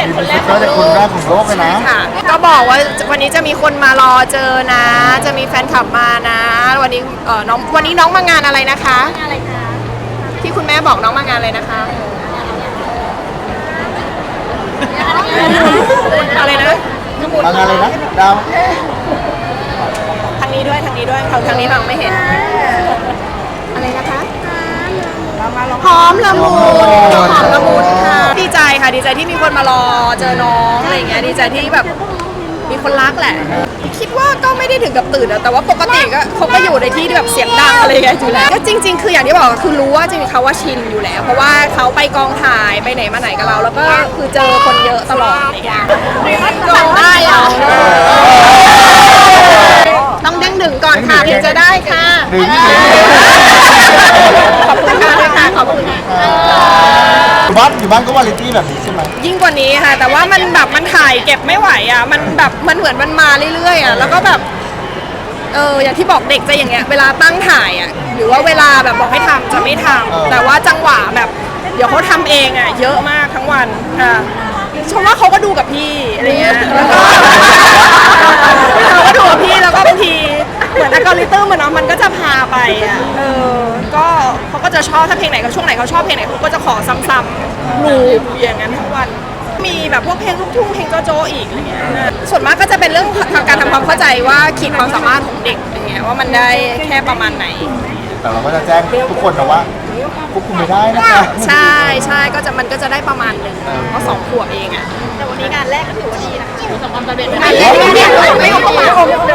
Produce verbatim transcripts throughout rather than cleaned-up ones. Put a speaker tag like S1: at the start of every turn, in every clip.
S1: ษคนแรกของ
S2: จะ
S1: โล
S2: คนแร
S1: ก
S2: กของโลกเลยนะ
S3: ค่ะก็บอกว่าวันนี้จะมีคนมารอเจอนะ จะมีแฟนคลับมานะ วันนี้เออน้องวันนี้น้องมางานอะไรนะคะ
S1: อะไรคะ
S3: ที่คุณแม่บอกน้องมางานอะไรนะคะอะไรนะ
S2: มางานเลยนะดาว
S3: ทางนี้ด้วยทางนี้ด้วยเขาทางนี้น้องไม่เห็นอะไรนะคะหอมละมุนหอมละมุนค่ะดีใจค่ะดีใจที่มีคนมารอเจอน้องอะไรอย่างเงี้ยดีใจที่แบบมีคนรักแหละ คิดว่าก็ไม่ได้ถึงกับตื่นอะแต่ว่าปกติก็เขาก็อยู่ในที่ที่แบบเสียงดังอะไรอย่างเงี้ยอยู่แล้วก็จริง ๆ คืออย่างที่บอกคือรู้ว่าจริงๆเขาว่าชินอยู่แล้ว เพราะว่าเขาไปกองถ่ายไปไหนมาไหนกับเรา แล้วก็คือเจอคนเยอะตลอดอะไรอย่างเงี้ยจำได้อะต้องเด้งดึงก่อนค่ะถึงจะได้ค่ะ
S2: ดึง
S3: ขอบคุณค่ะเลยค่ะขอบคุณค่ะ
S2: อยู่บ้านอยู่บ้านก็วาไรตี้แบบนี้ใช่ไหม
S3: ยิ่งกว่านี้ค่ะ แต่ว่ามันแบบมันถ่ายเก็บไม่ไหวอ่ะมันแบบมันเหมือนมันมาเรื่อยๆอ่ะแล้วก็แบบเอออย่างที่บอกเด็กจะอย่างเงี้ยเวลาตั้งถ่ายอ่ะหรือว่าเวลาแบบบอกให้ทำจะไม่ทำแต่ว่าจังหวะแบบเดี๋ยวเขาทำเองอ่ะเยอะมากทั้งวันค่ะชมว่าเขาก็ดูกับพี่อะไรเงี้ยแล้วก็เขาก็ดูกับพี่แล้วก็บางทีเหมือนอัลกอริทึมมันเนาะมันก็จะพาไปอ่ะเออก็เขาก็จะชอบถ้าเพลงไหนเขาช่วงไหนเขาชอบเพลงไหนเขาก็จะขอซ้ำๆลูปอย่างนั้นทั้งวันมีแบบพวกเพลงลูกทุ่งเพลงโจโจอีกอะไรเงี้ยส่วนมากก็จะเป็นเรื่องทางการทำความเข้าใจว่าขีดความสามารถของเด็กอะไรเงี้ยว่ามันได้แค่ประมาณไหน
S2: แต่เราก็จะแจ้งทุกคนนะว่าควบคุมไม่ได้นะคะ
S3: ใช่ใช่ก็จะมันก็จะได้ประมาณหนึ่งเพราะสองขวบเองอ่ะแต่วันนี้งานแรกก็ถือว่าดีนะคะประสบความสำเร็จงานแรกเนี่ยไม่ออกมา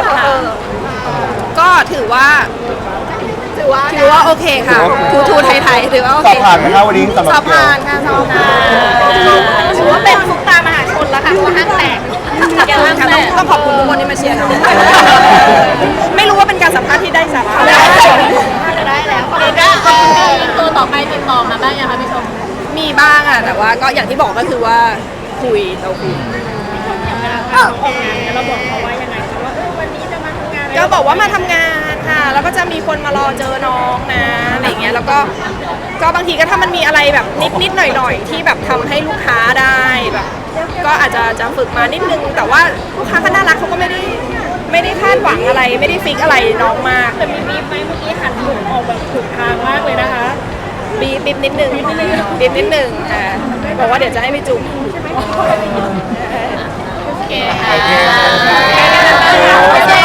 S3: ก็ถือว่าถือว่าถือว่าโอเคค่ะทูทูไทยๆถือว่าโอ
S2: สอ
S3: เค
S2: บผ่านไหมคะวันนี้สำหรับ
S3: สอบ
S2: เกียว
S3: ผ่านค่ะสอบผ่านถือว่าเป็นซุปตามหาชนแล้วค่ะตัวห้างแตกแกห้างแตกต้องขอบคุณทุกคนที่มาเชียร์น้องไม่รู้ว่าเป็นการสัมภาษณ์ที่ได้สาระ
S1: ได้แล้วคนนี้ก็ตัวต่อไปติดต่อมาบ้างยังคะพี่ชม
S3: มีบ้างอะแต่ว่าก็อย่างที่บอกก็คือว่าคุยเราคุย
S1: เราบอกเขาว่ายังไงคะว่าวันนี้จะมาทำงาน
S3: ก็บอกว่ามาทำงานค่ะแล้วก็จะมีคนมารอเจอน้องนะอะไรเงี้ยแล้วก็ก็บางทีก็ถ้ามันมีอะไรแบบนิดนิดหน่อยหน่อยๆที่แบบทำให้ลูกค้าได้แบบก็อาจจะจะฝึกมานิดนึงแต่ว่าลูกค้าก็น่ารักเขาก็ไม่ได้ไม่ได้คาดหวังอะไรไม่ได้ฟิกอะไรน้องมาก
S1: แต่มีมีไหมเมื่อกี้หันหมุนออกแบบถูกทางมากเลยนะคะ
S3: บีบบีบนิดนึงบีบนิดนึงอ่าบอกว่าเดี๋ยวจะให้ไปจุ่ม
S1: โอเค
S2: โอเค
S1: ค่ะ